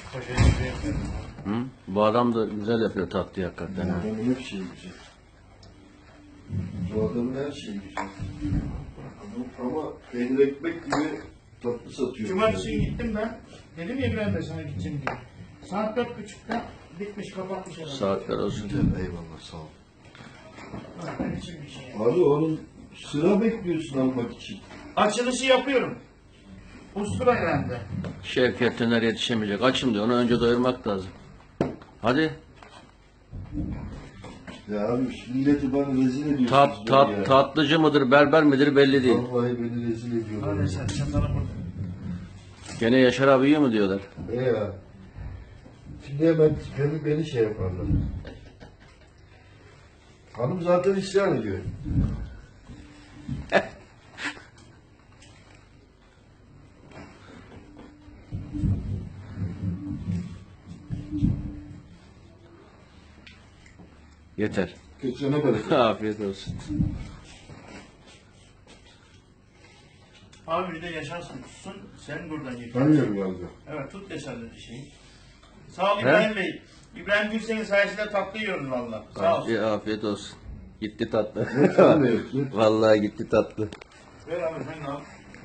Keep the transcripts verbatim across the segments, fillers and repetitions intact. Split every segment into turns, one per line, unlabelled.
Poşeti şuraya koyalım.
Hı? Bu adam da güzel yapıyor tatlıyı hakikaten.
Bu
ha.
adamın her şeyi güzel. Bu adamın her şeyi güzel. Ama peynir ekmek gibi tatlı satıyor.
Cumartesi günü gittim ben. Dedim ya İbrahim Bey sana gideceğim diye. Saat dört buçukta bitmiş, kapatmış herhalde.
Saatler olsun.
Güzel, eyvallah sağ ol.
Ha, ben için bir şey.
Abi onun sıra bekliyorsun almak için.
Açılışı yapıyorum. Ustura geldi.
Şevket Tüner yetişemeyecek. Açım diyor. Onu önce doyurmak lazım. Hadi.
Ya abi milleti bana rezil ediyorsunuz.
Tat,
beni
tat,
ya.
tatlıcı mıdır, berber midir belli değil.
Vallahi beni rezil ediyorlar.
Hadi sen çatalı burada.
Gene Yaşar abi yiyor mu diyorlar.
E ya. Şimdi hemen beni, beni şey yaparlar. Hanım zaten isyan ediyor.
Yeter.
Geçene bereket.
Afiyet olsun.
Abi bir de yaşarsın tutsun, sen buradan yıkarsın.
Tanıyorum galiba.
Evet, tut yaşarlı bir şeyi. Sağ ol İbrahim Bey. İbrahim Gülsen'in sayesinde tatlı yiyoruz valla. Sağ ol.
Afiyet, afiyet olsun. Gitti tatlı.
Sen ne yapıyorsun?
Vallahi gitti tatlı.
Ver abi sen de al.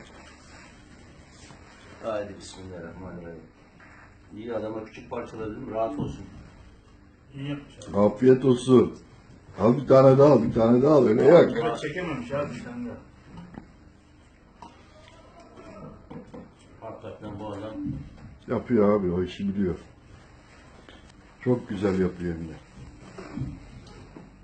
Haydi bismillahirrahmanirrahim. İyi adama küçük parçaladım rahat olsun.
İyi yapmış abi.
Afiyet olsun. Al bir tane daha al, bir tane daha al. Öyle yak.
Biraz çekememiş abi sen de.
Hakikaten bu adam
Yapıyor abi, o işi biliyor. Çok güzel yapıyor hem de.